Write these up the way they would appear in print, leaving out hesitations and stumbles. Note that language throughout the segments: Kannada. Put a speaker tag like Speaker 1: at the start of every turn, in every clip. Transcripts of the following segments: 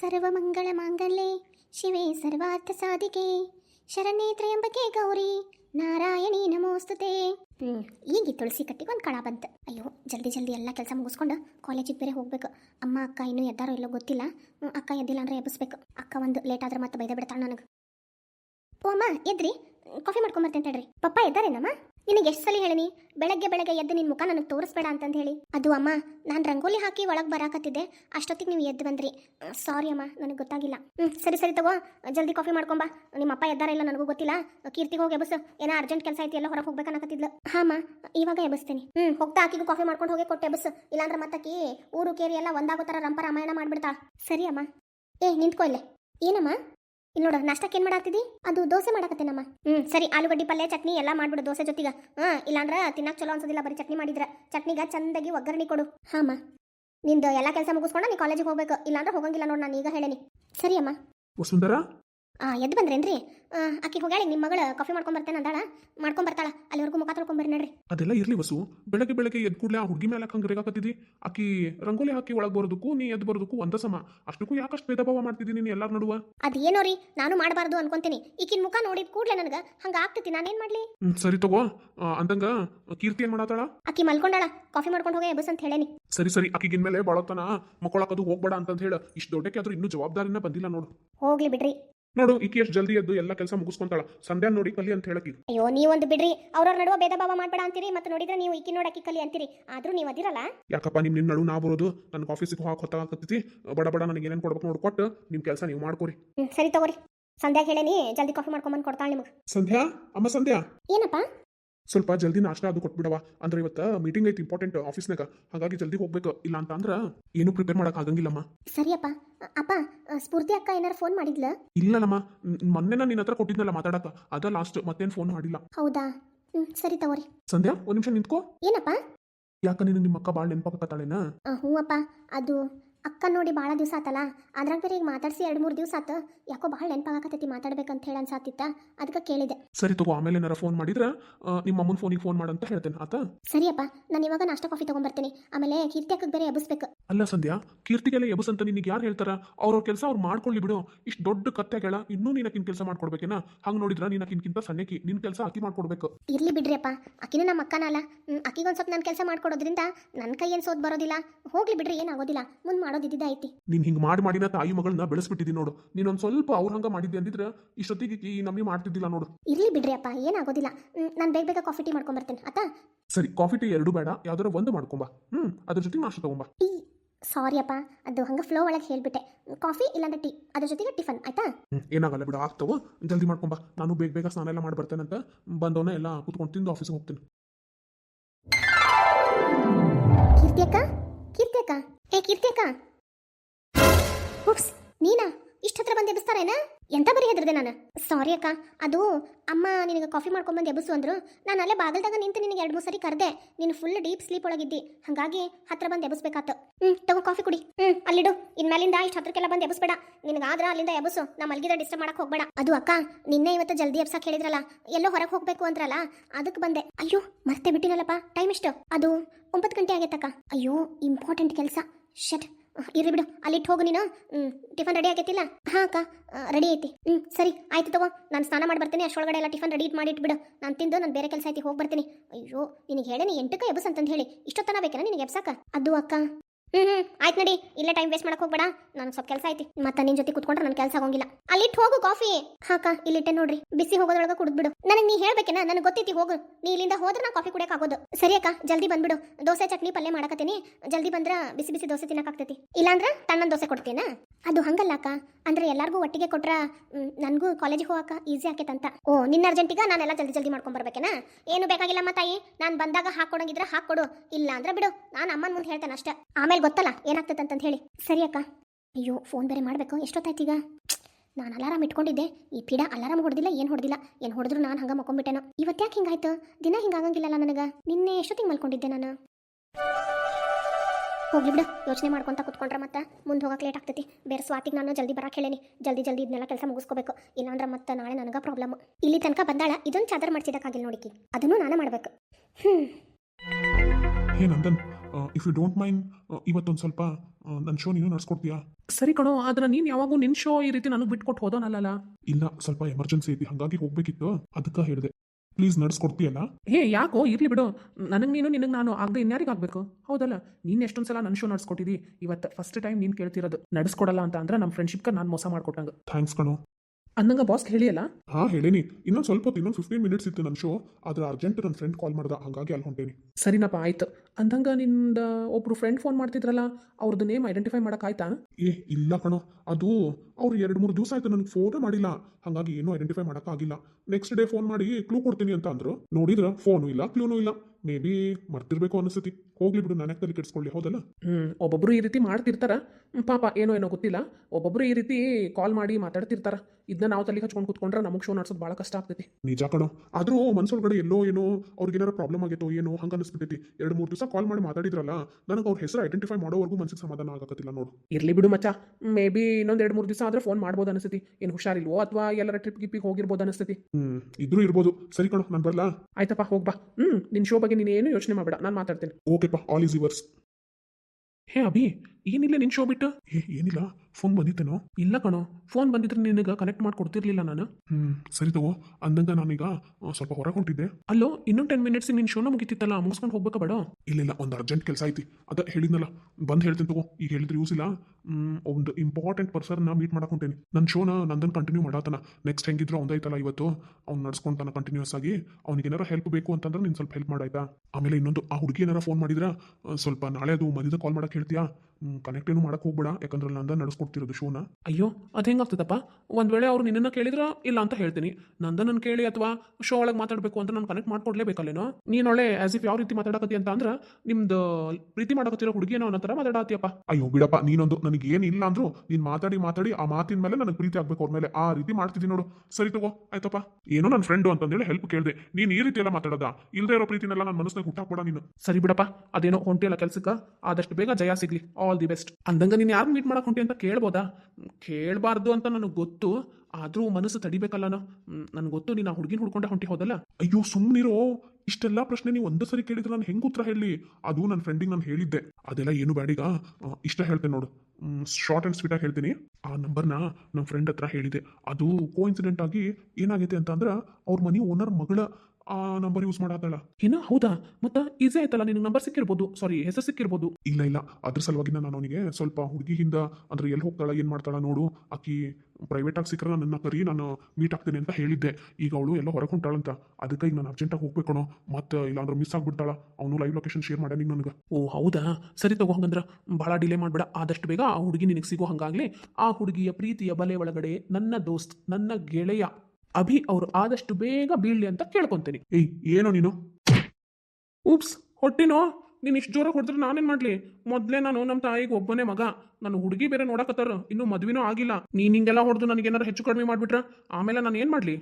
Speaker 1: ಸರ್ವಮಂಗಳ ಮಾಂಗಲ್ಯೆ ಶಿವೆ ಸರ್ವಾರ್ಥ ಸಾಧಿಕೆ ಶರಣ್ಯೇ ತ್ರ್ಯಂಬಕೆ ಗೌರಿ ನಾರಾಯಣಿ ನಮೋಸ್ತುತೆ. ಈಗ ತುಳಸಿ ಕಟ್ಟಿಗೆ ಒಂದು ಕಳ ಬಂತು. ಅಯ್ಯೋ ಜಲ್ದಿ ಜಲ್ದಿ ಎಲ್ಲ ಕೆಲಸ ಮುಗಿಸ್ಕೊಂಡು ಕಾಲೇಜಿಗೆ ಬೇರೆ ಹೋಗ್ಬೇಕು. ಅಮ್ಮ ಅಕ್ಕ ಇನ್ನೂ ಎದ್ದಾರೋ ಇಲ್ಲೋ ಗೊತ್ತಿಲ್ಲ. ಅಕ್ಕ ಎದ್ದಿಲ್ಲ ಅಂದ್ರೆ ಎಬ್ಬಿಸ್ಬೇಕು. ಅಕ್ಕ ಒಂದು ಲೇಟ್ ಆದ್ರೆ ಮತ್ತೆ ಬೈದ ಬಿಡ್ತಾಳೆ ನನಗೆ. ಓ ಅಮ್ಮ ಎದ್ರಿ, ಕಾಫಿ ಮಾಡ್ಕೊಂಬರ್ತೇನೆ ತಡ್ರಿ. ಪಪ್ಪ ಎದ್ದಾರೇನಮ್ಮ? ನಿನಗೆ ಎಷ್ಟು ಸಲ ಹೇಳಿನಿ ಬೆಳಗ್ಗೆ ಬೆಳಗ್ಗೆ ಎದ್ದು ನಿನ್ನ ಮುಖ ನನಗೆ ತೋರಿಸ್ಬೇಡ ಅಂತಂದು ಹೇಳಿ. ಅದು ಅಮ್ಮ ನಾನು ರಂಗೋಲಿ ಹಾಕಿ ಒಳಗೆ ಬರಾಕತ್ತಿದ್ದೆ, ಅಷ್ಟೊತ್ತಿಗೆ ನೀವು ಎದ್ದು ಬಂದ್ರಿ. ಸಾರಿ ಅಮ್ಮ, ನನಗೆ ಗೊತ್ತಾಗಿಲ್ಲ. ಸರಿ ಸರಿ ತಗೋ, ಜಲ್ದಿ ಕಾಫಿ ಮಾಡ್ಕೊಂಬ. ನಿಮ್ಮ ಅಪ್ಪ ಎದ್ದಾರ ಇಲ್ಲ ನನಗೂ ಗೊತ್ತಿಲ್ಲ. ಕೀರ್ತಿಗೆ ಹೋಗಿ ಎಬಸ್, ಏನೋ ಅರ್ಜೆಂಟ್ ಕೆಲಸ ಐತಿ, ಎಲ್ಲ ಹೊರಗೆ ಹೋಗ್ಬೇಕನ್ನಕತ್ತಿದ್ಲು. ಹಾಂ ಅಮ್ಮ ಇವಾಗ ಎಬಸ್ತೀನಿ. ಹೋಗ್ತಾ ಆಕಿಗೂ ಕಾಫಿ ಮಾಡ್ಕೊಂಡು ಹೋಗಿ ಕೊಟ್ಟು ಎಬಸ್, ಇಲ್ಲಾಂದ್ರೆ ಮತ್ತಕಿ ಊರು ಕೇರಿ ಎಲ್ಲ ಒಂದಾಗೋ ಥರ ರಂಪ ರಾಮಾಯಣ ಮಾಡ್ಬಿಡ್ತಾಳ. ಸರಿ ಅಮ್ಮ. ನಿಂತ್ಕೊ ಇಲ್ಲೇ. ಏನಮ್ಮ ಇಲ್ಲಿ ನೋಡು, ನಾಷ್ಟಕ್ಕೆ ಏನು ಮಾಡಾಕ್ತಿದ್ದಿ? ಅದು ದೋಸೆ ಮಾಡಕತ್ತೇನಮ್ಮ. ಸರಿ, ಆಲೂಗಡ್ಡಿ ಪಲ್ಯ ಚಟ್ನಿ ಎಲ್ಲ ಮಾಡ್ಬಿಡು ದೋಸೆ ಜೊತೆಗೆ. ಇಲ್ಲಾಂದ್ರೆ ತಿನ್ನಕ್ಕೆ ಚಲೋ ಅನ್ಸೋದಿಲ್ಲ, ಬರೀ ಚಟ್ನಿ ಮಾಡಿದ್ರೆ. ಚಟ್ನಿಗೆ ಚಂದಾಗಿ ಒಗ್ಗರಣೆ ಕೊಡು. ಹಾಂ ಅಮ್ಮ. ನಿಂದು ಎಲ್ಲ ಕೆಲಸ ಮುಗಿಸ್ಕೊಂಡು ನೀ ಕಾಲೇಜಿಗೆ ಹೋಗ್ಬೇಕು, ಇಲ್ಲಾಂದ್ರೆ ಹೋಗಂಗಿಲ್ಲ ನೋಡಿ, ನಾನು ಈಗ ಹೇಳೇನಿ. ಸರಿ ಅಮ್ಮ.
Speaker 2: ವಸುಂಧರಾ
Speaker 1: ಎದ್ದು ಬಂದ್ರೇನ್ರಿ? ಆಕಿ ಹೋಗ್ಯಾಳಿ, ನಿಮ್ಮ ಮಗಳು ಕಾಫಿ ಮಾಡ್ಕೊಂಬರ್ತೇನೆ ಅಂದಾಳ, ಮಾಡ್ಕೊಂಬರ್ತಾಳ. ಅಲ್ಲಿವರೆಗೂ ಮುಖ ತೊಳ್ಕೊಂಬರ್ರಿ ನಡ್ರಿ.
Speaker 2: ಅದೆಲ್ಲ ಇರ್ಲಿ ವಸು, ಬೆಳಗ್ಗೆ ಬೆಳಗ್ಗೆ ಎದ್ದು ಕೂಡಲೇ ಆ ಹುಡುಗಿ ಮೇಲೆ ಹಂಗೆ ರೇಗಾಕತ್ತಿದ್ದಿ. ಆಕಿ ರಂಗೋಲಿ ಹಾಕಿ ಒಳಗೆ ಬರೋದಕ್ಕೂ ನೀ ಎದ್ದು ಬರೋದಕ್ಕೂ ಒಂದ ಸಮ. ಅಷ್ಟಕ್ಕೂ ಯಾಕಷ್ಟು ಭೇದ ಭಾವ ಮಾಡ್ತಿದ್ದೀನಿ ನೀನು ಎಲ್ಲರ ನಡುವ?
Speaker 1: ಅದೇನೋ ರೀ, ನಾನು ಮಾಡಬಾರ್ದು ಅನ್ಕೊಂತೀನಿ. ಈಕಿನ ಮುಖ ನೋಡಿದ ಕೂಡಲೇ ನನಗೆ ಹಂಗೆ ಆಗ್ತೈತಿ, ನಾನೇನು ಮಾಡಲಿ?
Speaker 2: ಸರಿ ತಗೋ. ಅಂದಂಗ ಕೀರ್ತಿ ಏನು ಮಾಡತ್ತಾಳ?
Speaker 1: ಆಕಿ ಮಲ್ಕೊಂಡಾಳ, ಕಾಫಿ ಮಾಡ್ಕೊಂಡು ಹೋಗಿ ಎಬಸ್ ಅಂತ ಹೇಳೇನಿ.
Speaker 2: ಸರಿ ಸರಿ, ಆಕಿಗಿನ ಮೇಲೆ ಬಾಳತನ ಮಕ್ಕಳಾಕದು ಹೋಗ್ಬೇಡ ಅಂತ ಹೇಳ. ಇಷ್ಟು ದೊಡ್ಡಕ್ಕೆ ಆದ್ರೂ ಇನ್ನೂ ಜವಾಬ್ದಾರಿನ ಬಂದಿಲ್ಲ ನೋಡು.
Speaker 1: ಹೋಗ್ಲಿ ಬಿಡ್ರಿ.
Speaker 2: ನೋಡು ಈಕಿ ಎಷ್ಟು ಜಲ್ದಿ ಎದ್ದು ಎಲ್ಲ ಕೆಲಸ ಮುಗಿಸ್ಕೊಂತಾಳ. ಸಂಧ್ಯಾ ನೋಡಿ ಕಲಿ ಅಂತ ಹೇಳಕಿ.
Speaker 1: ಅಯ್ಯೋ ನೀವೊಂದು ಬಿಡ್ರಿ, ಅವ್ರವ್ರ ನಡುವೆ ಭೇದ ಭಾವ ಮಾಡ್ಬೇಡ ಅಂತೀರಿ, ಮತ್ತೆ ನೋಡಿದ್ರೆ ನೀವು ಈಕಿ ನೋಡಕ್ಕೆ ಕಲಿ ಅಂತೀರಿ. ಆದ್ರೂ ನೀವು ಅದಿರಲ್ಲ.
Speaker 2: ಯಾಕಪ್ಪ ನಿನ್ನ ನಡು ನಾ ಬರೋದು? ನನ್ನ ಆಫೀಸಿಗೆ ಹೋಗಕ್ಕೆ ಹೊತ್ತಾಗತ್ತೈತಿ. ಬಡ ಬಡ ನನಗೆ ಏನೇನು ಕೊಡ್ಬೇಕು ನೋಡ್ಕೊಟ್ಟು ನಿಮ್ಮ ಕೆಲಸ ನೀವು ಮಾಡ್ಕೊರಿ.
Speaker 1: ಸರಿ ತಗೋರಿ. ಸಂಧ್ಯಾ ಹೇಳೇನಿ, ಜಲ್ದಿ ಕಾಫಿ ಮಾಡ್ಕೊಂಬಂದು ಕೊಡ್ತಾಳೆ ನಿಮಗೆ.
Speaker 2: ಸಂಧ್ಯಾ, ಅಮ್ಮ ಸಂಧ್ಯಾ,
Speaker 1: ಏನಪ್ಪ?
Speaker 2: ಸ್ವಲ್ಪ ಜಲ್ದಿ ನಾಷ್ಟ ಅದು ಕೊಟ್ಬಿಡವ. ಅಂದ್ರೆ ಇವತ್ತು ಮೀಟಿಂಗ್ ಐತಿ ಇಂಪಾರ್ಟೆಂಟ್ ಆಫೀಸ್ನಾಗ, ಹಾಗಾಗಿ ಜಲ್ದಿ ಹೋಗ್ಬೇಕು. ಇಲ್ಲ ಅಂತ ಅಂದ್ರೆ ಏನು ಪ್ರಿಪೇರ್ ಮಾಡಕ್ ಆಗಂಗಿಲ್ಲಮ್ಮ.
Speaker 1: ಸರಿಯಪ್ಪ. ಅಪ್ಪ, ಸ್ಫೂರ್ತಿ ಅಕ್ಕ ಏನಾರು ಫೋನ್ ಮಾಡಿದ್ಲ?
Speaker 2: ಇಲ್ಲಮ್ಮ, ಮೊನ್ನೆ ನಾನು ನಿನ್ನ ಹತ್ರ ಕೊಟ್ಟಿದ್ನಲ್ಲ ಮಾತಾಡಕ, ಅದ ಲಾಸ್ಟ್. ಮತ್ತೇನು ಫೋನ್ ಮಾಡಿಲ್ಲ.
Speaker 1: ಹೌದಾ? ಸರಿ ತಗೋರಿ.
Speaker 2: ಸಂಧ್ಯಾ ಒಂದ್ ನಿಮಿಷ ನಿಂತ್ಕೋ.
Speaker 1: ಏನಪ್ಪ?
Speaker 2: ಯಾಕ ನೀನು ನಿಮ್ಮ ಅಕ್ಕ ಭಾಳ ನೆನಪಾಗತ್ತಾಳೇನ?
Speaker 1: ಹ್ಞೂ ಅಪ್ಪ, ಅದು ಅಕ್ಕ ನೋಡಿ ಭಾಳ ದಿವಸ ಆತಲ್ಲ, ಅದ್ರಾಗ ಬೇರೆ ಈಗ ಮಾತಾಡ್ಸಿ 2-3 ದಿವಸ ಆತ. ಯಾಕೋ ಭಾಳ ನೆನಪಾಗತ್ತೈತಿ, ಮಾತಾಡ್ಬೇಕಂತ ಹೇಳಿ ಅನ್ಸಾತಿತ್ತ, ಅದಕ್ಕೆ ಕೇಳಿದೆ.
Speaker 2: ಸರಿ ತಗೋ, ಆಮೇಲೆ ಏನಾರ ಫೋನ್ ಮಾಡಿದ್ರೆ ನಿಮ್ಮ ಅಮ್ಮನ ಫೋನಿಗೆ ಫೋನ್ ಮಾಡಂತ ಹೇಳ್ತೇನೆ ಆತ.
Speaker 1: ಸರಿಯಪ್ಪ, ನಾನು ಇವಾಗ ನಾಷ್ಟ ಕಾಫಿ ತಗೊಂಡ್ಬರ್ತೀನಿ. ಆಮೇಲೆ ಕೀರ್ತಿ ಅಕ್ಕಗೆ ಬೇರೆ ಎಬ್ಬಿಸ್ಬೇಕು.
Speaker 2: ಅಲ್ಲ ಸಂಧ್ಯಾ, ಕೀರ್ತಿಗೆಲ್ಲ ಎಬಸ್ ಅಂತ ನಿನಗೆ ಯಾರು ಹೇಳ್ತಾರ? ಅವ್ರ ಕೆಲಸ ಅವ್ರು ಮಾಡ್ಕೊಳ್ಳಿ ಬಿಡು. ಇಷ್ಟು ದೊಡ್ಡ ಕತ್ತೆಗಳ ಇನ್ನೂ ನೀನಕಿನ ಕೆಲಸ ಮಾಡ್ಕೊಡ್ಬೇಕೇನ? ಹಂಗೆ ನೋಡಿದ್ರ ನೀನಕಿನ್ಕಿಂತ ಸಣ್ಣಕಿ, ನಿನ್ನ ಕೆಲಸ ಆಕಿ ಮಾಡ್ಕೊಡ್ಬೇಕು.
Speaker 1: ಇರ್ಲಿ ಬಿಡ್ರಿ ಅಪ್ಪ, ಆಕಿನೂ ನಮ್ಮ ಅಕ್ಕನಲ್ಲ. ಆಕಿಗೊಂದು ಸ್ವಲ್ಪ ನನ್ನ ಕೆಲಸ ಮಾಡ್ಕೊಡೋದ್ರಿಂದ ನನ್ನ ಕೈ ಏನು ಸೋದ್ ಬರೋದಿಲ್ಲ. ಹೋಗ್ಲಿ ಬಿಡ್ರಿ, ಏನಾಗೋದಿಲ್ಲ. ಮುಂದೆ ಮಾಡೋದಿದ್ದ ಐತಿ.
Speaker 2: ನೀನು ಹಿಂಗೆ ಮಾಡಿನ ತಾಯಿ ಮಗಳನ್ನ ಬೆಳೆಸ್ಬಿಟ್ಟಿದ್ದೀನಿ ನೋಡು. ನೀನೊಂದು ಸ್ವಲ್ಪ ಅವ್ರ ಹಂಗೆ ಮಾಡಿದ್ದೆ ಅಂದಿದ್ರೆ ಇಷ್ಟೊತ್ತಿಗೆ ಈ ನಮ್ಮಿ ಮಾಡ್ತಿದ್ದಿಲ್ಲ ನೋಡು.
Speaker 1: ಇರ್ಲಿ ಬಿಡ್ರಿ ಅಪ್ಪ, ಏನಾಗೋದಿಲ್ಲ. ನಾನು ಬೇಗ ಬೇಗ ಕಾಫಿ ಟೀ ಮಾಡ್ಕೊಂಬರ್ತೇನೆ ಆತಾ?
Speaker 2: ಸರಿ, ಕಾಫಿ ಟೀ ಎರಡು ಬೇಡ, ಯಾವ್ದಾರ ಒಂದು ಮಾಡ್ಕೊಂಬ. ಅದ್ರ ಜೊತೆಗೆ ನಾಷ್ಟ ತಗೊಂಬ.
Speaker 1: ಟೀ? ಸಾರಿ ಅಪ್ಪ, ಅದು ಹಂಗೆ ಫ್ಲೋ ಒಳಗೆ ಹೇಳ್ಬಿಟ್ಟೆ. ಕಾಫಿ ಇಲ್ಲಾಂದ್ರೆ ಟೀ, ಅದ್ರ ಜೊತೆಗೆ ಟಿಫನ್ ಆಯ್ತಾ?
Speaker 2: ಏನಾಗಲ್ಲ ಬಿಡು, ಆಗ್ತವ. ಜಲ್ದಿ ಮಾಡ್ಕೊಂಬ. ನಾನು ಬೇಗ ಬೇಗ ಸ್ನಾನ ಎಲ್ಲ ಮಾಡಿ ಬರ್ತೇನಂತ. ಬಂದವನ್ನ ಎಲ್ಲ ಕೂತ್ಕೊಂಡು ತಿಂದು ಆಫೀಸ್ಗೆ ಹೋಗ್ತೇನೆ.
Speaker 1: ಕೀರ್ತಿ ಅಕ್ಕ, ಕೀರ್ತಿ ಅಕ್ಕ, ಕೀರ್ತಿ ಅಕ್ಕ. ಉಪ್ಸ್, ನೀನಾ? ಇಷ್ಟ ಹತ್ರ ಬಂದು ಎಬ್ಬಿಸ್ತಾರೇನ? ಎಂತ ಬರೀ ಹೆದ್ರದೆ ನಾನು. ಸಾರಿ ಅಕ್ಕ, ಅದು ಅಮ್ಮ ನಿನಗೆ ಕಾಫಿ ಮಾಡ್ಕೊಂಬಂದು ಎಬ್ಬಿಸು ಅಂದ್ರು. ನಾನು ಅಲ್ಲೇ ಬಾಗಲ್ದಾಗ ನಿಂತು ನಿನಗೆ 2-3 ಸರಿ ಕರೆದೆ. ನೀನು ಫುಲ್ ಡೀಪ್ ಸ್ಲೀಪ್ ಒಳಗಿದ್ದಿ, ಹಾಗಾಗಿ ಹತ್ರ ಬಂದು ಎಬ್ಬಿಸ್ಬೇಕಾತು. ತಗೋ ಕಾಫಿ ಕುಡಿ. ಅಲ್ಲಿಡು. ಇನ್ಮೇಲಿಂದ ಇಷ್ಟು ಹತ್ರಕ್ಕೆಲ್ಲ ಬಂದು ಎಬ್ಬಿಸ್ಬೇಡ. ನಿನಗಾದ್ರೆ ಅಲ್ಲಿಂದ ಎಬ್ಬಿಸು, ನಾ ಮಲ್ಗಿದ ಡಿಸ್ಟರ್ಬ್ ಮಾಡಕ್ಕೆ ಹೋಗ್ಬೇಡ. ಅದು ಅಕ್ಕ, ನಿನ್ನೆ ಇವತ್ತು ಜಲ್ದಿ ಎಬ್ಸಕ್ಕೆ ಹೇಳಿದ್ರಲ್ಲ, ಎಲ್ಲೋ ಹೊರಗೆ ಹೋಗ್ಬೇಕು ಅಂದ್ರಲ್ಲ, ಅದಕ್ಕೆ ಬಂದೆ. ಅಯ್ಯೋ ಮರ್ತೆ ಬಿಟ್ಟಿನಲ್ಲಪ್ಪ. ಟೈಮ್ ಎಷ್ಟು? ಅದು 9 ಗಂಟೆ ಆಗೈತಕ್ಕ. ಅಯ್ಯೋ ಇಂಪಾರ್ಟೆಂಟ್ ಕೆಲಸ. ಶಟ್, ಇರ್ಲಿ ಬಿಡು. ಅಲ್ಲಿಟ್ಟು ಹೋಗು ನೀನು. ಟಿಫನ್ ರೆಡಿ ಆಗೈತಿಲ್ಲ? ಹಾಂ ಅಕ್ಕ, ರೆಡಿ ಐತಿ. ಸರಿ ಆಯ್ತು ತಗೋ, ನಾನು ಸ್ನಾನ ಮಾಡಿ ಬರ್ತೀನಿ. ಅಷ್ಟೊಳಗಡೆ ಎಲ್ಲ ಟಿಫನ್ ರೆಡಿ ಮಾಡಿ ಇಟ್ಬಿಡು. ನಾನು ತಿಂದು ನಾನು ಬೇರೆ ಕೆಲಸ ಐತಿ, ಹೋಗಿ ಬರ್ತೀನಿ. ಅಯ್ಯೋ ನಿನಗೆ ಹೇಳೇನಿ 8ಕ್ಕೆ ಎಬ್ಬಿಸ್ ಅಂತಂದು ಹೇಳಿ, ಇಷ್ಟೊತ್ತನ ಬೇಕೇನ ನಿನಗೆ ಎಬ್ಸಾಕ? ಅದು ಅಕ್ಕ. ಆಯ್ತು ನಡಿ, ಇಲ್ಲೇ ಟೈಮ್ ವೇಸ್ಟ್ ಮಾಡಕ್ಕೆ ಹೋಗ್ಬೇಡ. ನನಗೆ ಸ್ವಲ್ಪ ಕೆಲಸ ಐತಿ, ಮತ್ತೆ ನಿನ್ನ ಜೊತೆ ಕುತ್ಕೊಂಡ್ರೆ ನನ್ನ ಕೆಲಸ ಆಗೋಂಗಿಲ್ಲ. ಅಲ್ಲಿಟ್ಟು ಹೋಗು ಕಾಫಿ. ಹಾಕ ಇಲ್ಲಿಟ್ಟೆ ನೋಡ್ರಿ, ಬಿಸಿ ಹೋಗೋದ್ರೊಳಗೆ ಕುಡಿದ್ಬಿಡು. ನನಗೆ ನೀ ಹೇಳ್ಬೇಕೇನ? ನನಗೆ ಗೊತ್ತೈತಿ, ಹೋಗು. ನೀ ಇಲ್ಲಿಂದ ಹೋದ್ರೆ ನಾ ಕಾಫಿ ಕುಡಿಯಕ್ಕೆ ಆಗೋದು. ಸರಿ ಅಕ್ಕ, ಜಲ್ದಿ ಬಂದ್ಬಿಡು. ದೋಸೆ ಚಟ್ನಿ ಪಲ್ಯ ಮಾಡಕತ್ತೀನಿ, ಜಲ್ದಿ ಬಂದ್ರೆ ಬಿಸಿ ಬಿಸಿ ದೋಸೆ ತಿನ್ನಕ್ಕಾಗ್ತೈತಿ. ಇಲ್ಲಾಂದ್ರೆ ತಣ್ಣನ ದೋಸೆ ಕೊಡ್ತೀನ? ಅದು ಹಂಗಲ್ಲ ಅಕ್ಕ, ಅಂದ್ರೆ ಎಲ್ಲರಿಗೂ ಒಟ್ಟಿಗೆ ಕೊಟ್ರ ನನಗೂ ಕಾಲೇಜಿಗೆ ಹೋಗಕ್ಕೆ ಈಸಿ ಆಕೈತಂತ. ಓ, ನಿನ್ನ ಅರ್ಜೆಂಟಿಗೆ ನಾನೆಲ್ಲ ಜಲ್ದಿ ಜಲ್ದಿ ಮಾಡ್ಕೊಂಬರ್ಬೇಕೇನ? ಏನು ಬೇಕಾಗಿಲ್ಲಮ್ಮ ತಾಯಿ, ನಾನು ಬಂದಾಗ ಹಾಕೊಡಂಗಿದ್ರೆ ಹಾಕೊಡು, ಇಲ್ಲ ಅಂದ್ರೆ ಬಿಡು. ನಾನು ಅಮ್ಮನ ಮುಂದೆ ಹೇಳ್ತೇನೆ ಅಷ್ಟೇ, ಆಮೇಲೆ ಗೊತ್ತಲ್ಲ ಏನಾಗ್ತೈತೆ ಅಂತಂದು ಹೇಳಿ. ಸರಿ ಅಕ್ಕ. ಅಯ್ಯೋ ಫೋನ್ ಬೇರೆ ಮಾಡಬೇಕು. ಎಷ್ಟೊತ್ತಾಯ್ತೀಗ? ನಾನು ಅಲಾರಾಮ್ ಇಟ್ಕೊಂಡಿದ್ದೆ. ಈ ಪಿಡ ಅಲಾರಾಮ್ ಹೊಡೆದಿಲ್ಲ, ಏನು ಹೊಡೆದಿಲ್ಲ. ಏನು ಹೊಡೆದ್ರು ನಾನು ಹಂಗೆ ಮಕ್ಕೊಂಬಿಟ್ಟೆನೋ. ಇವತ್ತ್ಯಾಕೆ ಹಿಂಗಾಯ್ತು? ದಿನ ಹಿಂಗಾಗಂಗಿಲ್ಲಲ್ಲ ನನಗೆ. ನಿನ್ನೆ ಎಷ್ಟೊತ್ತಿಗೆ ಮಲ್ಕೊಂಡಿದ್ದೆ ನಾನು? ಹೋಗ್ಲಿ ಬಿಡು, ಯೋಚನೆ ಮಾಡ್ಕೊಂತ ಕುತ್ಕೊಂಡ್ರೆ ಮತ್ತೆ ಮುಂದೆ ಹೋಗಕ್ಕೆ ಲೇಟ್ ಆಗ್ತೈತಿ. ಬೇರೆ ಸ್ವಾತಿಗೆ ನಾನು ಜಲ್ದಿ ಬರಕ್ಕೆ ಹೇಳೇನಿ. ಜಲ್ದಿ ಜಲ್ದಿ ಇದನ್ನೆಲ್ಲ ಕೆಲಸ ಮುಗಿಸ್ಕೋಬೇಕು, ಇಲ್ಲಾಂದ್ರೆ ಮತ್ತೆ ನಾಳೆ ನನಗೆ ಪ್ರಾಬ್ಲಮ್. ಇಲ್ಲಿ ತನಕ ಬಂದಾಳ, ಇದೊಂದು ಚಾದರ್ ಮಾಡಿಸಿದಕ್ಕಾಗಿಲ್ಲ ನೋಡಿಕಿ, ಅದನ್ನು ನಾನು ಮಾಡಬೇಕು.
Speaker 2: ಏನಂದನ್ ಇಫ್ ಯು ಡೋಂಟ್ ಮೈಂಡ್ ಇವತ್ತೊಂದು ಸ್ವಲ್ಪ ನನ್ನ ಶೋ ನೀನು ನಡ್ಸ್ಕೊಡ್ತೀಯಾ?
Speaker 3: ಸರಿ ಕಣೋ, ಆದ್ರೆ ನೀನು ಯಾವಾಗೂ ನಿನ್ನ ಶೋ ಈ ರೀತಿ ನನಗೆ ಬಿಟ್ಕೊಟ್ಟು ಹೋದೋನಲ್ಲ.
Speaker 2: ಇಲ್ಲ, ಸ್ವಲ್ಪ ಎಮರ್ಜೆನ್ಸಿ ಐತಿ, ಹಾಗಾಗಿ ಹೋಗ್ಬೇಕಿತ್ತು, ಅದಕ್ಕೆ ಹೇಳಿದೆ. ಪ್ಲೀಸ್ ನಡ್ಸ್ಕೊಡ್ತೀಯಲ್ಲ?
Speaker 3: ಹೇ ಯಾಕೋ ಇರ್ಲಿ ಬಿಡು, ನನಗೆ ನೀನು ನಿನಗೆ ನಾನು ಆಗದೆ ಇನ್ಯಾರಿಗೆ ಆಗಬೇಕು? ಹೌದಲ್ಲ, ನೀನು ಎಷ್ಟೊಂದು ಸಲ ನನ್ನ ಶೋ ನಡ್ಸ್ಕೊಟ್ಟಿದ್ದಿ, ಇವತ್ತು ಫಸ್ಟ್ ಟೈಮ್ ನೀನು ಕೇಳ್ತಿರೋದು ನಡ್ಸ್ಕೊಡಲ್ಲ ಅಂತ ಅಂದ್ರೆ ನಮ್ಮ ಫ್ರೆಂಡ್ಶಿಪ್ಗೆ ನಾನು ಮೋಸ ಮಾಡ್ಕೊಟ್ಟಂಗೆ.
Speaker 2: ಥ್ಯಾಂಕ್ಸ್ ಕಣೋ.
Speaker 3: ಅಂದಂಗೆ ಬಾಸ್ಗೆ ಹೇಳಿಯಲ್ಲ?
Speaker 2: ಹಾಂ ಹೇಳೀನಿ, ಇನ್ನೊಂದು ಸ್ವಲ್ಪ ಹೊತ್ತು, ಇನ್ನೊಂದು 15 ಮಿನಿಟ್ಸ್ ಇತ್ತು ನನ್ನ ಶೋ, ಆದ್ರೆ ಅರ್ಜೆಂಟ್ ನನ್ನ ಫ್ರೆಂಡ್ ಕಾಲ್ ಮಾಡ್ದ, ಹಾಗಾಗಿ ಅಲ್ಲಿ ಹೊಂಟೇನಿ.
Speaker 3: ಸರಿನಪ್ಪ, ಆಯ್ತು. ಅಂದಂಗೆ ನಿಂದ ಒಬ್ರು ಫ್ರೆಂಡ್ ಫೋನ್ ಮಾಡ್ತಿದ್ರಲ್ಲ, ಅವ್ರದ್ದು ನೇಮ್ ಐಡೆಂಟಿಫೈ ಮಾಡೋಕ್ಕಾಯ್ತಾ?
Speaker 2: ಇಲ್ಲ ಕಣೋ, ಅದು ಅವ್ರು 2-3 ದಿವಸ ಆಯ್ತು ನನಗೆ ಫೋನೇ ಮಾಡಿಲ್ಲ, ಹಾಗಾಗಿ ಏನೂ ಐಡೆಂಟಿಫೈ ಮಾಡೋಕ್ಕಾಗಿಲ್ಲ. ನೆಕ್ಸ್ಟ್ ಡೇ ಫೋನ್ ಮಾಡಿ ಕ್ಲೂ ಕೊಡ್ತೀನಿ ಅಂತ ಅಂದ್ರು, ನೋಡಿದ್ರೆ ಫೋನು ಇಲ್ಲ, ಕ್ಲೂನೂ ಇಲ್ಲ. ಮೇ ಬಿ ಮರ್ತಿರ್ಬೇಕು ಅನಿಸ್ತತಿ. ಹೋಗ್ಲಿ ಬಿಡು, ನಾನು ಯಾಕೆ ಕೆಡಿಸ್ಕೊಳ್ಳಿ, ಹೌದಲ್ಲ?
Speaker 3: ಒಬ್ಬೊಬ್ರು ಈ ರೀತಿ ಮಾಡ್ತಿರ್ತಾರ, ಪಾಪ ಏನೋ ಗೊತ್ತಿಲ್ಲ. ಒಬ್ಬೊಬ್ರು ಈ ರೀತಿ ಕಾಲ್ ಮಾಡಿ ಮಾತಾಡ್ತಿರ್ತಾರ. ಇದನ್ನ ನಾವು ತಲೆಗೆ ಹಚ್ಕೊಂಡು ಕೂತ್ಕೊಂಡ್ರೆ ನಮಗೆ ಶೋ ನಡ್ಸೋದು ಭಾಳ ಕಷ್ಟ ಆಗ್ತೈತಿ.
Speaker 2: ನಿಜ ಕಣೋ, ಆದರೂ ಮನ್ಸೊಳಗಡೆ ಎಲ್ಲೋ ಏನೋ ಅವ್ರಿಗೇನಾರ ಪ್ರಾಬ್ಲಮ್ ಆಗೈತೋ ಏನೋ ಹಂಗೆ ಅನಿಸ್ಬಿಟ್ಟೈತಿ. 2-3 ದಿವಸ ಕಾಲ್ ಮಾಡಿ ಮಾತಾಡಿದ್ರಲ್ಲ, ನನಗೆ ಅವ್ರ ಹೆಸರು ಐಡೆಂಟಿಫೈ ಮಾಡೋವರೆಗೂ ಮನ್ಸಿಗೆ ಸಮಾಧಾನ ಆಗಕತ್ತಿಲ್ಲ ನೋಡು.
Speaker 3: ಇರ್ಲಿ ಬಿಡು ಮಚ್ಚ, ಮೇ ಬಿ ಇನ್ನೊಂದು 2-3 ದಿವಸ ಆದ್ರೆ ಫೋನ್ ಮಾಡ್ಬೋದು ಅನಿಸ್ತೈತಿ. ಏನು ಹುಷಾರಿಲ್ವೋ ಅಥವಾ ಎಲ್ಲರ ಟ್ರಿಪ್ ಗಿಪ್ಪಿಗೆ ಹೋಗಿರ್ಬೋದು ಅನಿಸ್ತೈತಿ.
Speaker 2: ಇದ್ರೂ ಇರ್ಬೋದು. ಸರಿ ಕಣೋ, ನಾನು ಬರಲಾ?
Speaker 3: ಆಯ್ತಪ್ಪ, ಹೋಗ್ಬಾ. ನಿನ್ನ ಶೋ ಬಗ್ಗೆ ನೀನು ಏನು ಯೋಚನೆ ಮಾಡಬೇಡ, ನಾನು ಮಾತಾಡ್ತೀನಿ.
Speaker 2: ಓಕೆಪ್ಪ, all is yours.
Speaker 3: Hey Abhi, ಏನಿಲ್ಲ ನಿನ್ನ ಶೋ ಬಿಟ್ಟು?
Speaker 2: ಏನಿಲ್ಲ, ಫೋನ್ ಬಂದಿತ್ತೇನೋ?
Speaker 3: ಇಲ್ಲ ಕಣೋ, ಫೋನ್ ಬಂದಿದ್ರೆ ನಿನಗೆ ಕನೆಕ್ಟ್ ಮಾಡಿ ಕೊಡ್ತಿರ್ಲಿಲ್ಲ ನಾನು.
Speaker 2: ಸರಿ ತಗೋ, ಅಂದಂಗ ನಾನೀಗ ಸ್ವಲ್ಪ ಹೊರಗೆ ಹೊಂಟಿದ್ದೆ.
Speaker 3: ಅಲ್ಲೋ, ಇನ್ನೊಂದು 10 ಮಿನಿಟ್ಸ್ ನಿನ್ನ ಶೋನ ಮುಗಿತಿತ್ತಲ್ಲ, ಮುಗಿಸ್ಕೊಂಡು ಹೋಗ್ಬೇಕಾ ಬೇಡ?
Speaker 2: ಇಲ್ಲ, ಒಂದು ಅರ್ಜೆಂಟ್ ಕೆಲಸ ಐತಿ, ಅದ ಹೇಳಿದ್ನಲ್ಲ, ಬಂದು ಹೇಳ್ತೀನಿ ತಗೋ. ಈಗ ಹೇಳಿದ್ರೆ ಯೂಸ್ ಇಲ್ಲ. ಒಂದು ಇಂಪಾರ್ಟೆಂಟ್ ಪರ್ಸನ್ನ ಮೀಟ್ ಮಾಡಕ್ಕೆ ಹೊಂಟೇನಿ. ನನ್ನ ಶೋನ ನಂದನ್ನು ಕಂಟಿನ್ಯೂ ಮಾಡಾತನ. ನೆಕ್ಸ್ಟ್ ಹೆಂಗಿದ್ರು ಒಂದೈತಲ್ಲ ಇವತ್ತು, ಅವ್ನು ನಡ್ಸ್ಕೊಂತಾನ ಕಂಟಿನ್ಯೂಸ್ ಆಗಿ. ಅವ್ನಿಗೆ ಏನಾರ ಹೆಲ್ಪ್ ಬೇಕು ಅಂತಂದ್ರೆ ನೀನು ಸ್ವಲ್ಪ ಹೆಲ್ಪ್ ಮಾಡಾಯ್ತಾ? ಆಮೇಲೆ ಇನ್ನೊಂದು, ಆ ಹುಡುಗಿ ಏನಾರ ಫೋನ್ ಮಾಡಿದ್ರೆ ಸ್ವಲ್ಪ ನಾಳೆ ಅದು ಮದುವೆ ಕಾಲ್ ಮಾಡಕ್ಕೆ ಹೇಳ್ತೀಯಾ? ಕನೆಕ್ಟ್ ಏನು ಮಾಡಕ್ಕೆ ಹೋಗ್ಬೇಡ, ಯಾಕಂದ್ರೆ ನಂದ ನಡ್ಸ್ಕೊಡ್ತಿರೋದು ಶೋನ.
Speaker 3: ಅಯ್ಯೋ, ಅದು ಹೆಂಗಾಗ್ತದಪ್ಪ? ಒಂದು ವೇಳೆ ಅವ್ರು ನಿನ್ನನ್ನು ಕೇಳಿದ್ರೆ ಇಲ್ಲ ಅಂತ ಹೇಳ್ತೀನಿ. ನಂದನ್ನು ಕೇಳಿ ಅಥವಾ ಶೋ ಒಳಗೆ ಮಾತಾಡಬೇಕು ಅಂತ ನಾನು ಕನೆಕ್ಟ್ ಮಾಡ್ಕೊಡ್ಲೇಬೇಕಲ್ಲೇನೋ? ನೀನು ಒಳ್ಳೆ ಆಸ್ ಇಫ್ ಯಾವ ರೀತಿ ಮಾತಾಡಕತ್ತಿ ಅಂತ ಅಂದ್ರೆ ನಿಮ್ದು ಪ್ರೀತಿ ಮಾಡಕತ್ತಿರೋ ಹುಡುಗಿನೋ ಅನ್ನೋ ಥರ ಮಾತಾಡತ್ತೀಯಪ್ಪ.
Speaker 2: ಅಯ್ಯೋ ಬಿಡಪ್ಪ, ನೀನೊಂದು ನನಗೆ ಏನಿಲ್ಲ ಅಂದ್ರು ನೀನು ಮಾತಾಡಿ ಆ ಮಾತಿನ ಮೇಲೆ ನನಗೆ ಪ್ರೀತಿ ಆಗ್ಬೇಕು ಅವ್ರ ಮೇಲೆ, ಆ ರೀತಿ ಮಾಡ್ತಿದ್ದೀನಿ ನೋಡು. ಸರಿ ತಗೋ, ಆಯ್ತಪ್ಪ. ಏನೋ ನನ್ನ ಫ್ರೆಂಡು ಅಂತಂದೇಳಿ ಹೆಲ್ಪ್ ಕೇಳಿದೆ, ನೀನು ಈ ರೀತಿ ಎಲ್ಲ ಮಾತಾಡೋದ? ಇಲ್ಲದೆ ಇರೋ ಪ್ರೀತಿನೆಲ್ಲ ನನ್ನ ಮನಸ್ಸಿನಾಗ ಹುಟ್ಟಾಕ್ಬೇಡ ನೀನು.
Speaker 3: ಸರಿ ಬಿಡಪ್ಪ, ಅದೇನೋ ಹೊಂಟಿಯಲ್ಲ ಕೆಲ್ಸಕ್ಕೆ, ಆದಷ್ಟು ಬೇಗ ಜಯ ಸಿಗ್ಲಿ. All the best. ಅಂದಂಗ ನೀನು ಯಾರು ಮೀಟ್ ಮಾಡಕ್ ಹೊಂಟಿ ಅಂತ ಕೇಳ್ಬೋದಾ? ಕೇಳಬಾರ್ದು ಅಂತ ನನಗೆ ಗೊತ್ತು, ಆದರೂ ಮನಸ್ಸು ತಡಿಬೇಕಲ್ಲನೋ. ನನಗೆ ಗೊತ್ತು ನೀನು ಆ ಹುಡುಗಿನ ಹುಡ್ಕೊಂಡೆ ಹೊಂಟಿ ಹೋದಲ್ಲ.
Speaker 2: ಅಯ್ಯೋ ಸುಮ್ಮನಿರೋ, ಇಷ್ಟೆಲ್ಲ ಪ್ರಶ್ನೆ ನೀವು ಒಂದೇ ಸರಿ ಕೇಳಿದ್ರೆ ನಾನು ಹೆಂಗೆ ಉತ್ತರ ಹೇಳಿ? ಅದು ನನ್ನ ಫ್ರೆಂಡಿಗೆ ನಾನು ಹೇಳಿದ್ದೆ, ಅದೆಲ್ಲ ಏನು ಬ್ಯಾಡೀಗ. ಇಷ್ಟ ಹೇಳ್ತೇನೆ ನೋಡು, ಶಾರ್ಟ್ ಆ್ಯಂಡ್ ಸ್ವೀಟಾಗಿ ಹೇಳ್ತೀನಿ. ಆ ನಂಬರ್ನ ನಮ್ಮ ಫ್ರೆಂಡ್ ಹತ್ರ ಹೇಳಿದೆ. ಅದು ಕೋಇನ್ಸಿಡೆಂಟ್ ಆಗಿ ಏನಾಗೈತೆ ಅಂತ ಅಂದ್ರೆ, ಅವ್ರ ಮನೆ ಓನರ್ ಮಗಳ ಆ ನಂಬರ್ ಯೂಸ್ ಮಾಡಾತಳ.
Speaker 3: ಏನೋ ಹೌದಾ? ಮತ್ತೆ ಈಸಿ ಆಯ್ತಲ್ಲ, ನಿನಗೆ ನಂಬರ್ ಸಿಕ್ಕಿರ್ಬೋದು, ಸಾರಿ ಹೆಸರು ಸಿಕ್ಕಿರ್ಬೋದು.
Speaker 2: ಇಲ್ಲ, ಅದ್ರ ಸಲುವಾಗಿ ನಾನು ಅವನಿಗೆ ಸ್ವಲ್ಪ ಹುಡುಗಿಯಿಂದ ಅಂದ್ರೆ ಎಲ್ಲಿ ಹೋಗ್ತಾಳ ಏನು ಮಾಡ್ತಾಳ ನೋಡು, ಆಕಿ ಪ್ರೈವೇಟ್ ಆಗಿ ಸಿಕ್ಕರೆ ನನ್ನ ಕರಿ, ನಾನು ಮೀಟ್ ಆಗ್ತೇನೆ ಅಂತ ಹೇಳಿದ್ದೆ. ಈಗ ಅವಳು ಎಲ್ಲ ಹೊರಗೆ ಹೊಂಟಾಳಂತ, ಅದಕ್ಕೆ ಈಗ ನಾನು ಅರ್ಜೆಂಟಾಗಿ ಹೋಗ್ಬೇಕಣೋ, ಮತ್ತೆ ಇಲ್ಲಾಂದ್ರೆ ಮಿಸ್ ಆಗ್ಬಿಡ್ತಾಳ. ಅವನು ಲೈವ್ ಲೊಕೇಶನ್ ಶೇರ್ ಮಾಡ್ಯಾನ ನನಗೆ.
Speaker 3: ಓ ಹೌದಾ? ಸರಿ ತಗೋ, ಹಂಗಂದ್ರೆ ಭಾಳ ಡಿಲೇ ಮಾಡಬೇಡ, ಆದಷ್ಟು ಬೇಗ ಆ ಹುಡುಗಿ ನಿನಗೆ ಸಿಗೋ ಹಂಗಾಗ್ಲಿ. ಆ ಹುಡುಗಿಯ ಪ್ರೀತಿಯ ಬಲೆ ಒಳಗಡೆ ನನ್ನ ದೋಸ್ತ್, ನನ್ನ ಗೆಳೆಯ ಅಭಿ ಅವರು ಆದಷ್ಟು ಬೇಗ ಬೀಳಲಿ ಅಂತ ಕೇಳ್ಕೊಂತೀನಿ.
Speaker 2: ಏನೋ ನೀನು?
Speaker 3: ಉಪ್ಸ್, ಹೊಟ್ಟಿನೋ? ನೀನು ಇಷ್ಟು ಜೋರಾಗಿ ಹೊಡೆದ್ರೆ ನಾನೇನು ಮಾಡಲಿ? ಮೊದಲೇ ನಾನು ನಮ್ಮ ತಾಯಿಗೆ ಒಬ್ಬನೇ ಮಗ, ನಾನು ಹುಡುಗಿ ಬೇರೆ ನೋಡಕತ್ತಾರ, ಇನ್ನೂ ಮದುವೆನೂ ಆಗಿಲ್ಲ. ನೀನು ಹಿಂಗೆಲ್ಲ ಹೊಡೆದು ನನಗೇನಾರು ಹೆಚ್ಚು ಕಡಿಮೆ ಮಾಡಿಬಿಟ್ರೆ ಆಮೇಲೆ ನಾನು ಏನು ಮಾಡಲಿ?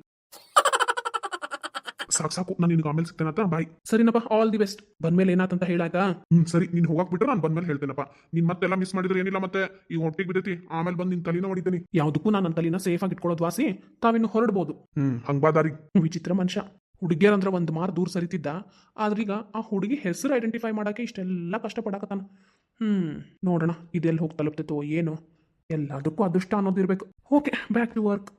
Speaker 2: ಸಾಕು, ನಾನು ನಿನ್ಗೆ ಆಮೇಲೆ ಸಿಗ್ತೇನತ್ತ, ಬಾಯ್.
Speaker 3: ಸರಿನಪ್ಪ, ಆಲ್ ದಿ ಬೆಸ್ಟ್. ಬಂದ್ಮೇಲೆ ಏನಾತಂತ ಹೇಳಾಯ್ತಾ?
Speaker 2: ಸರಿ, ನೀನು ಹೋಗಕ್ ಬಿಟ್ರೆ ನಾನು ಬಂದ್ಮೇಲೆ ಹೇಳ್ತೇನಪ್ಪ. ನೀನು ಮತ್ತೆಲ್ಲ ಮಿಸ್ ಮಾಡಿದ್ರೆ ಏನಿಲ್ಲ, ಮತ್ತೆ ಈಗ ಹೊಟ್ಟಿಗೆ ಬಿದ್ದೈತಿ, ಆಮೇಲೆ ಬಂದು ನಿನ್ನ ತಲೆನ ಹೊಡಿತೀನಿ.
Speaker 3: ಯಾವುದಕ್ಕೂ ನಾನು ನನ್ನ ತಲೆನ ಸೇಫ್ ಆಗಿ ಇಟ್ಕೊಳ್ಳೋದು ವಾಸಿ, ತಾವಿನ್ನು ಹೊರಡ್ಬೋದು.
Speaker 2: ಹಂಗ್ಬಾದಾರಿ.
Speaker 3: ವಿಚಿತ್ರ ಮನುಷ್ಯ. ಹುಡುಗಿಯರಂದ್ರೆ ಒಂದು ಮಾರು ದೂರ ಸರಿತಿದ್ದ, ಆದ್ರೀಗ ಆ ಹುಡುಗಿ ಹೆಸರು ಐಡೆಂಟಿಫೈ ಮಾಡೋಕ್ಕೆ ಇಷ್ಟೆಲ್ಲ ಕಷ್ಟಪಡಕತ್ತಾನ. ನೋಡೋಣ ಇದೆಲ್ಲಿ ಹೋಗಿ ತಲುಪ್ತೈತೋ ಏನೋ. ಎಲ್ಲದಕ್ಕೂ ಅದೃಷ್ಟ ಅನ್ನೋದಿರ್ಬೇಕು. Okay, back to work.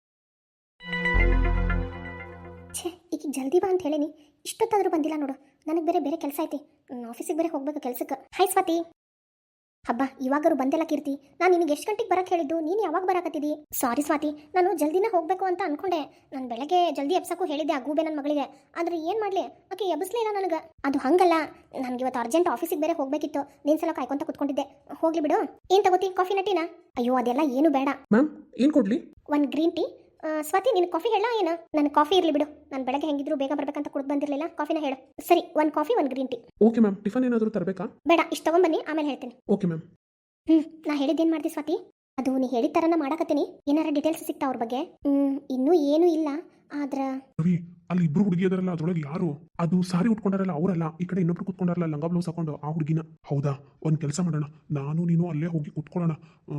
Speaker 1: ಛೇ, ಈಗ ಜಲ್ದಿ ಬಾ ಅಂತ ಹೇಳೀನಿ, ಇಷ್ಟೊತ್ತಾದರೂ ಬಂದಿಲ್ಲ ನೋಡು. ನನಗೆ ಬೇರೆ ಕೆಲಸ ಐತಿ, ಆಫೀಸಿಗೆ ಬೇರೆ ಹೋಗ್ಬೇಕು ಕೆಲ್ಸಕ್ಕೆ. ಹಾಯ್ ಸ್ವಾತಿ. ಹಬ್ಬ, ಇವಾಗಾರು ಬಂದೆಲ್ಲ ಕೀರ್ತಿ. ನಾನು ನಿನಗೆ ಎಷ್ಟು ಗಂಟೆಗೆ ಬರಕ್ಕೆ ಹೇಳಿದ್ದು, ನೀನು ಯಾವಾಗ ಬರಾಕತ್ತಿದ್ದಿ? ಸಾರಿ ಸ್ವಾತಿ, ನಾನು ಜಲ್ದಿನೇ ಹೋಗಬೇಕು ಅಂತ ಅನ್ಕೊಂಡೆ. ನಾನು ಬೆಳಗ್ಗೆ ಜಲ್ದಿ ಎಬ್ಸಕ್ಕೂ ಹೇಳಿದ್ದೆ ಆ ಗೂಬೆ ನನ್ನ ಮಗಳಿಗೆ, ಆದರೆ ಏನು ಮಾಡಲಿ, ಆಕೆ ಎಬ್ಬಿಸ್ಲೇ ಇಲ್ಲ ನನಗೆ. ಅದು ಹಂಗಲ್ಲ, ನನಗೆ ಇವತ್ತು ಅರ್ಜೆಂಟ್ ಆಫೀಸಿಗೆ ಬೇರೆ ಹೋಗಬೇಕಿತ್ತು, ನೀನು ಸಲ ಕಾಯ್ಕೊಂತ ಕುತ್ಕೊಂಡಿದ್ದೆ. ಹೋಗ್ಲಿ ಬಿಡು. ಏನು ತಗೋತಿ, ಕಾಫಿನ ಟೀನಾ? ಅಯ್ಯೋ ಅದೆಲ್ಲ ಏನು ಬೇಡ.
Speaker 3: ಮ್ಯಾಮ್, ಏನು ಕೊಡ್ಲಿ?
Speaker 1: ಒಂದು ಗ್ರೀನ್ ಟೀ. ಸ್ವಾತಿ, ನಿನ್ನ ಕಾಫಿ ಹೇಳ ಏನು? ನನ್ನ ಕಾಫಿ ಇರಲಿ ಬಿಡು, ನಾನು ಬೆಳಗ್ಗೆ ಹೆಂಗಿದ್ರು ಬೇಗ ಬರ್ಬೇಕಂತ ಕುಡ್ದು ಬಂದಿರಲಿಲ್ಲ. ಕಾಫಿನ ಹೇಳು. ಸರಿ, ಒಂದು ಕಾಫಿ, ಒಂದು green tea.
Speaker 3: Okay ma'am. Tiffin ಏನಾದರೂ ತರಬೇಕಾ?
Speaker 1: ಬೇಡ, ಇಷ್ಟು ತಗೊಂಬನ್ನಿ, ಆಮೇಲೆ ಹೇಳ್ತೀನಿ.
Speaker 3: Okay ma'am.
Speaker 1: ನಾ ಹೇಳಿದ್ದೇನು ಮಾಡ್ದಿ ಸ್ವಾತಿ? ಅದು ನೀ ಹೇಳಿದ ಥರನ ಮಾಡಕತ್ತೀನಿ. ಏನಾರ ಡೀಟೇಲ್ಸ್ ಸಿಗ್ತಾ ಅವ್ರ ಬಗ್ಗೆ? ಇನ್ನೂ ಏನೂ ಇಲ್ಲ, ಆದ್ರ
Speaker 2: ರವಿ ಅಲ್ಲಿ ಇಬ್ರು ಹುಡುಗಿ ಅದರಲ್ಲ ಅದ್ರೊಳಗೆ ಯಾರು ಅದು ಸಾರಿ ಉಟ್ಕೊಂಡಾರಲ್ಲ ಅವರಲ್ಲ ಈ ಕಡೆ ಇನ್ನೊಬ್ರು ಕುತ್ಕೊಂಡಾರಲ್ಲ ಲಂಗ ಬ್ಲೌಸ್ ಹಾಕೊಂಡು ಆ ಹುಡುಗಿನ ಹೌದಾ ಒಂದ್ ಕೆಲಸ ಮಾಡೋಣ ನಾನು ನೀನು ಅಲ್ಲೇ ಹೋಗಿ ಕುತ್ಕೊಳ್ಳೋಣ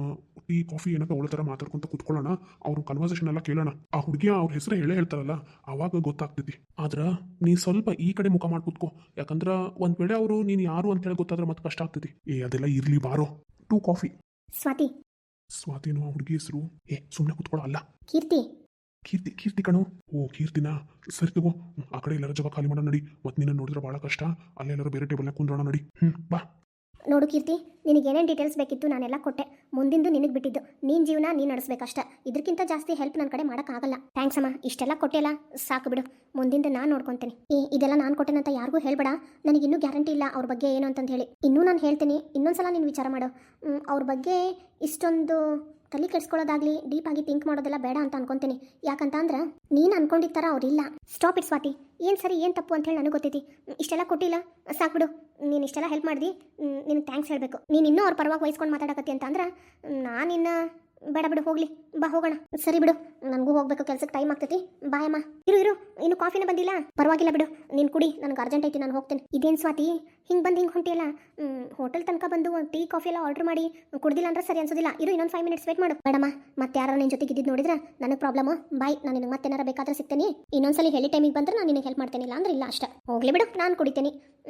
Speaker 2: ಟೀ ಕಾಫಿ ಏನೋ ಅವಳ ತರ ಮಾತಾಡ್ಕೊಂತ ಕುತ್ಕೊಳ್ಳೋಣ ಅವ್ರ ಕನ್ವರ್ಸೇಷನ್ ಎಲ್ಲ ಕೇಳೋಣ ಆ ಹುಡುಗಿಯ ಅವ್ರ ಹೆಸರು ಹೇಳೇ ಹೇಳ್ತಾರಲ್ಲ ಅವಾಗ ಗೊತ್ತಾಗ್ತೈತಿ ಆದ್ರ ನೀ ಸ್ವಲ್ಪ ಈ ಕಡೆ ಮುಖ ಮಾಡಿ ಕುತ್ಕೋ ಯಾಕಂದ್ರ ಒಂದ್ ವೇಳೆ ಅವರು ನೀನ್ ಯಾರು ಅಂತ ಹೇಳಿ ಗೊತ್ತಾದ್ರೆ ಮತ್ತೆ ಕಷ್ಟ ಆಗ್ತೈತಿ ಅದೆಲ್ಲ ಇರ್ಲಿ ಬಾರೋ ಟೂ ಕಾಫಿ
Speaker 1: ಸ್ವಾತಿ
Speaker 2: ಸ್ವಾತಿನೋ ಆ ಹುಡುಗಿ ಹೆಸರು ಸುಮ್ಮನೆ ಕುತ್ಕೊಳ್ಳೋ ಅಲ್ಲ
Speaker 1: ಕೀರ್ತಿ
Speaker 2: ಕೀರ್ತಿ ಕೀರ್ತಿ ಕಣು ಓ ಕೀರ್ತಿನಾ ಸರಿ ತಗೋ ಆ ಕಡೆ ಎಲ್ಲರ ಜಾಗ ಖಾಲಿ ಮಾಡೋಣ ನಡಿ ಮತ್ತೆ ನಿನ್ನ ನೋಡಿದ್ರೆ ಭಾಳ ಕಷ್ಟ ಅಲ್ಲೆಲ್ಲರೂ ಬೇರೆ ಟೇಬಲ್ನಾಗ ಕುಂದ್ರೋಣ ನಡಿ ಬಾ
Speaker 1: ನೋಡು ಕೀರ್ತಿ ನಿನಗೆ ಏನೇನು ಡೀಟೇಲ್ಸ್ ಬೇಕಿತ್ತು ನಾನೆಲ್ಲ ಕೊಟ್ಟೆ ಮುಂದಿಂದು ನಿನಗೆ ಬಿಟ್ಟಿದ್ದು ನೀನು ಜೀವನ ನೀನು ನಡೆಸ್ಬೇಕಷ್ಟ ಇದಕ್ಕಿಂತ ಜಾಸ್ತಿ ಹೆಲ್ಪ್ ನನ್ನ ಕಡೆ ಮಾಡೋಕ್ಕಾಗಲ್ಲ ಥ್ಯಾಂಕ್ಸ್ ಅಮ್ಮ ಇಷ್ಟೆಲ್ಲ ಕೊಟ್ಟೆಲ್ಲ ಸಾಕು ಬಿಡು ಮುಂದಿಂದು ನಾನು ನೋಡ್ಕೊತೀನಿ ಇದೆಲ್ಲ ನಾನು ಕೊಟ್ಟೆನಂತ ಯಾರಿಗೂ ಹೇಳ್ಬೇಡ ನನಗಿನ್ನೂ ಗ್ಯಾರಂಟಿ ಇಲ್ಲ ಅವ್ರ ಬಗ್ಗೆ ಏನು ಅಂತಂದು ಹೇಳಿ ಇನ್ನೂ ನಾನು ಹೇಳ್ತೀನಿ ಇನ್ನೊಂದ್ಸಲ ನೀನು ವಿಚಾರ ಮಾಡು ಅವ್ರ ಬಗ್ಗೆ ಇಷ್ಟೊಂದು ತಲೆ ಕೆಡ್ಸ್ಕೊಳ್ಳೋದಾಗ್ಲಿ ಡೀಪ್ ಆಗಿ ಥಿಂಕ್ ಮಾಡೋದೆಲ್ಲ ಬೇಡ ಅಂತ ಅನ್ಕೊಂತೀನಿ ಯಾಕಂತ ಅಂದ್ರೆ ನೀನು ಅನ್ಕೊಂಡಿದ್ದ ಥರ ಅವ್ರಿಲ್ಲ ಸ್ಟಾಪ್ ಇಟ್ ಸ್ವಾತಿ ಏನು ಸರಿ ಏನು ತಪ್ಪು ಅಂತ ಹೇಳಿ ನನಗೆ ಗೊತ್ತೈತಿ ಇಷ್ಟೆಲ್ಲ ಕೊಟ್ಟಿಲ್ಲ ಸಾಕು ಬಿಡು ನೀನು ಇಷ್ಟೆಲ್ಲ ಹೆಲ್ಪ್ ಮಾಡಿದಿ ನಿನಗೆ ಥ್ಯಾಂಕ್ಸ್ ಹೇಳಬೇಕು ನೀನು ಇನ್ನೂ ಅವ್ರ ಪರವಾಗಿ ವಹಿಸ್ಕೊಂಡು ಮಾತಾಡಕತ್ತಿ ಅಂತ ಅಂದ್ರೆ ನಾನಿನ್ನು ಬೇಡ ಬಿಡು ಹೋಗ್ಲಿ ಬಾ ಹೋಗೋಣ ಸರಿ ಬಿಡು ನನಗೂ ಹೋಗ್ಬೇಕು ಕೆಲ್ಸಕ್ಕೆ ಟೈಮ್ ಆಗ್ತೈತಿ ಬಾಯ್ ಅಮ್ಮ ಇರು ಇನ್ನು ಕಾಫಿನ ಬಂದಿಲ್ಲ ಪರವಾಗಿಲ್ಲ ಬಿಡು ನೀನು ಕುಡಿ ನನಗೆ ಅರ್ಜೆಂಟ್ ಐತಿ ನಾನು ಹೋಗ್ತೇನೆ ಇದೇನು ಸ್ವಾತಿ ಹಿಂಗೆ ಬಂದು ಹಿಂಗೆ ಹೊಂಟಿಯಲ್ಲ ಹೋಟೆಲ್ ತನಕ ಬಂದು ಟೀ ಕಾಫಿ ಎಲ್ಲ ಆರ್ಡರ್ ಮಾಡಿ ಕುಡ್ದಿಲ್ಲ ಅಂದ್ರೆ ಸರಿ ಅನ್ಸೋದಿಲ್ಲ ಇರು ಇನ್ನೊಂದು 5 ಮಿನಿಟ್ಸ್ ವೇಟ್ ಮಾಡು ಬೇಡಮ್ಮ ಮತ್ತೆ ಯಾರು ನಿನ್ನ ಜೊತೆಗೆ ಇದ್ದಿದ್ದು ನೋಡಿದ್ರೆ ನನಗೆ ಪ್ರಾಬ್ಲಮ್ಮು ಬಾಯ್ ನಾನು ನಿನಗೆ ಮತ್ತೆ ಏನಾರ ಬೇಕಾದ್ರೆ ಸಿಗ್ತೀನಿ ಇನ್ನೊಂದ್ಸಲಿ ಹೇಳಿ ಟೈಮಿಗೆ ಬಂದ್ರೆ ನಾನು ನಿನಗೆ ಹೆಲ್ಪ್ ಮಾಡ್ತೇನೆ ಇಲ್ಲ ಅಂದ್ರೆ ಇಲ್ಲ ಅಷ್ಟೇ ಹೋಗ್ಲಿ ಬಿಡು ನಾನು ಕುಡಿತೀನಿ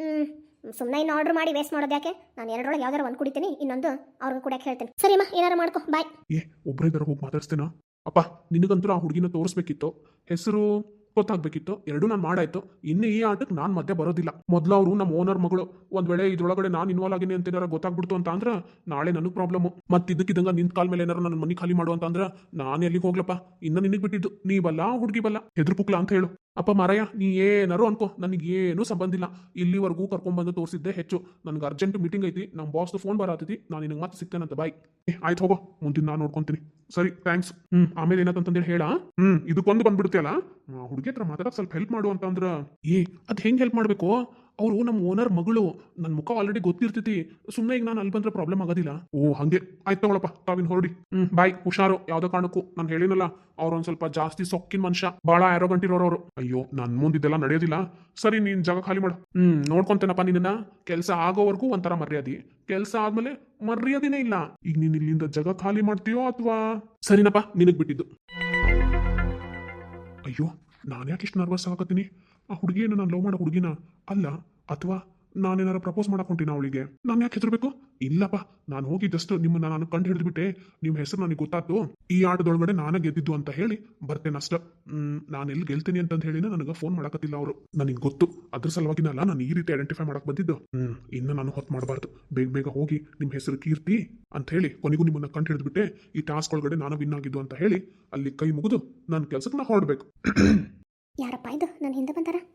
Speaker 1: ಸುಮ್ಮನೆ ಇನ್ನು ಆರ್ಡರ್ ಮಾಡಿ ವೇಸ್ಟ್ ಮಾಡೋದು ಯಾಕೆ ನಾನು ಎರಡರೊಳಗೆ ಯಾವ್ದಾರು ಒಂದು ಕುಡಿತೀನಿ ಇನ್ನೊಂದು ಅವ್ರಿಗೆ ಕುಡಿಯಕ್ಕೆ ಹೇಳ್ತೀನಿ ಸರಿಮ್ಮ ಏನಾರು ಮಾಡ್ಕೊ ಬಾಯ್
Speaker 2: ಒಬ್ಬರೇ ಇದಾರ ಹೋಗಿ ಮಾತಾಡ್ಸ್ತೇನಾ ಅಪ್ಪ ನಿನಗಂತೂ ಆ ಹುಡುಗಿನ ತೋರಿಸ್ಬೇಕಿತ್ತು ಹೆಸರು ಗೊತ್ತಾಗ್ಬೇಕಿತ್ತು ಎರಡೂ ನಾನು ಮಾಡಾಯ್ತು ಇನ್ನು ಈ ಆಟಕ್ಕೆ ನಾನು ಮಧ್ಯೆ ಬರೋದಿಲ್ಲ ಮೊದಲು ಅವರು ನಮ್ಮ ಓನರ್ ಮಗಳು ಒಂದ್ ವೇಳೆ ಇದ್ರೊಳಗಡೆ ನಾನು ಇನ್ವಾಲ್ವ್ ಆಗಿನಿ ಅಂತ ಏನಾರ ಗೊತ್ತಾಗ್ಬಿಡ್ತು ಅಂತ ಅಂದ್ರೆ ನಾಳೆ ನನಗೆ ಪ್ರಾಬ್ಲಮ್ ಮತ್ತೆ ಇದಕ್ಕಿದಂಗ ನಿಂತ ಕಾಲ ಮೇಲೆ ಏನಾರು ನನ್ನ ಮನೆ ಖಾಲಿ ಮಾಡು ಅಂತ ಅಂದ್ರೆ ನಾನು ಎಲ್ಲಿಗೆ ಹೋಗ್ಲಪ್ಪ ಇನ್ನು ನಿನಗೆ ಬಿಟ್ಟಿದ್ದು ನೀ ಬಲ್ಲ ಹುಡುಗಿ ಬಲ್ಲ ಹೆದ್ರು ಪುಕ್ಲ ಅಂತ ಹೇಳು ಅಪ್ಪ ಮಾರಯ್ಯ ನೀ ಏನಾರು ಅನ್ಕೋ ನನಗೇನು ಸಂಬಂಧ ಇಲ್ಲ ಇಲ್ಲಿವರೆಗೂ ಕರ್ಕೊಂಡ್ಬಂದು ತೋರಿಸಿದ್ದೆ ಹೆಚ್ಚು ನನಗೆ ಅರ್ಜೆಂಟ್ ಮೀಟಿಂಗ್ ಐತಿ ನಮ್ಮ ಬಾಸ್ದು ಫೋನ್ ಬರತ್ತೈತಿ ನಾನು ನಿನಗೆ ಮತ್ತೆ ಸಿಗ್ತೇನಂತ ಬಾಯ್ ಆಯ್ತು ಹೋಗೋ ಮುಂದಿನ ನಾನು ನೋಡ್ಕೊಂತೀನಿ ಸರಿ ಥ್ಯಾಂಕ್ಸ್ ಆಮೇಲೆ ಏನಾತಂತಂದೇಳಿ ಹೇಳ ಇದಕ್ಕೊಂದು ಬಂದ್ಬಿಡ್ತೀಯಲ್ಲ ಹುಡುಗಿ ಹತ್ರ ಮಾತಾಡಕ್ ಸ್ವಲ್ಪ ಹೆಲ್ಪ್ ಮಾಡು ಅಂತಂದ್ರ ಅದ್ ಹೆಂಗ್ ಹೆಲ್ಪ್ ಮಾಡ್ಬೇಕು ಅವರು ನಮ್ಮ ಓನರ್ ಮಗಳು ನನ್ನ ಮುಖ ಆಲ್ರೆಡಿ ಗೊತ್ತಿರ್ತೈತಿ ಸುಮ್ಮನೆ ಈಗ ನಾನು ಅಲ್ಲಿ ಬಂದ್ರೆ ಪ್ರಾಬ್ಲಮ್ ಆಗೋದಿಲ್ಲ ಓ ಹಂಗೆ ಆಯ್ತು ತಗೊಳಪ್ಪ ತಾವಿನ್ ಹೊರಡಿ ಬಾಯ್ ಹುಷಾರು ಯಾವ್ದೋ ಕಾರಣಕ್ಕೂ ನಾನು ಹೇಳಿನಲ್ಲ ಅವ್ರೊಂದ್ ಸ್ವಲ್ಪ ಜಾಸ್ತಿ ಸೊಕ್ಕಿನ ಮನುಷ್ಯ ಭಾಳ ಆರೋಗಂಟ್ ಇರೋರು ಅಯ್ಯೋ ನನ್ ಮುಂದಿದ್ದೆಲ್ಲ ನಡೆಯೋದಿಲ್ಲ ಸರಿ ನೀನ್ ಜಾಗ ಖಾಲಿ ಮಾಡು ನೋಡ್ಕೊಂತೇನಪ್ಪ ನಿನ್ನ ಕೆಲಸ ಆಗೋವರೆಗೂ ಒಂಥರ ಮರ್ಯಾದೆ ಕೆಲಸ ಆದ್ಮೇಲೆ ಮರ್ಯಾದೆನೇ ಇಲ್ಲ ಈಗ ನೀನ್ ಇಲ್ಲಿಂದ ಜಾಗ ಖಾಲಿ ಮಾಡ್ತೀಯೋ ಅಥವಾ ಸರಿನಪ್ಪ ನಿನಗ್ ಬಿಟ್ಟಿದ್ದು ಅಯ್ಯೋ ನಾನು ಯಾಕೆ ಇಷ್ಟು ನರ್ವಸ್ ಆಗತ್ತೀನಿ ಆ ಹುಡುಗಿಯನ್ನು ನಾನು ಲವ್ ಮಾಡೋ ಹುಡುಗಿನ ಅಲ್ಲ ಅಥವಾ ನಾನೇನಾರ ಪ್ರಪೋಸ್ ಮಾಡಕೊಂತೀನಿ ಅವಳಿಗೆ ನಾನು ಯಾಕೆ ಹೆದರ್ಬೇಕು ಇಲ್ಲಪ್ಪ ನಾನು ಹೋಗಿ ಜಸ್ಟ್ ನಿಮ್ಮನ್ನ ನಾನು ಕಂಡು ಹಿಡಿದ್ಬಿಟ್ಟೆ ನಿಮ್ಮ ಹೆಸರು ನನಗೆ ಗೊತ್ತಾಯ್ತು ಈ ಆಟದೊಳಗಡೆ ನಾನೇ ಗೆದ್ದಿದ್ದು ಅಂತ ಹೇಳಿ ಬರ್ತೇನೆ ಅಷ್ಟ ನಾನು ಎಲ್ಲಿ ಗೆಲ್ತೀನಿ ಅಂತ ಹೇಳಿನ ನನಗೆ ಫೋನ್ ಮಾಡಕತ್ತಿಲ್ಲ ಅವರು ನನಗೆ ಗೊತ್ತು ಅದ್ರ ಸಲುವಾಗಿನಲ್ಲ ನಾನು ಈ ರೀತಿ ಐಡೆಂಟಿಫೈ ಮಾಡಕ್ ಬಂದಿದ್ದು ಇನ್ನು ನಾನು ಹೊತ್ತು ಮಾಡಬಾರ್ದು ಬೇಗ ಬೇಗ ಹೋಗಿ ನಿಮ್ಮ ಹೆಸರು ಕೀರ್ತಿ ಅಂತ ಹೇಳಿ ಕೊನೆಗೂ ನಿಮ್ಮನ್ನ ಕಂಡು ಹಿಡಿದ್ಬಿಟ್ಟೆ ಈ ಟಾಸ್ಕ್ ಒಳಗಡೆ ನಾನು ವಿನ್ ಆಗಿದ್ದು ಅಂತ ಹೇಳಿ ಅಲ್ಲಿ ಕೈ ಮುಗಿದು ನನ್ನ ಕೆಲ್ಸಕ್ಕೆ ನಾ ಹೊರಡ್ಬೇಕು
Speaker 1: ಯಾರಪ್ಪ ಇದು ನನ್ನ ಹಿಂದೆ ಬಂದಾರ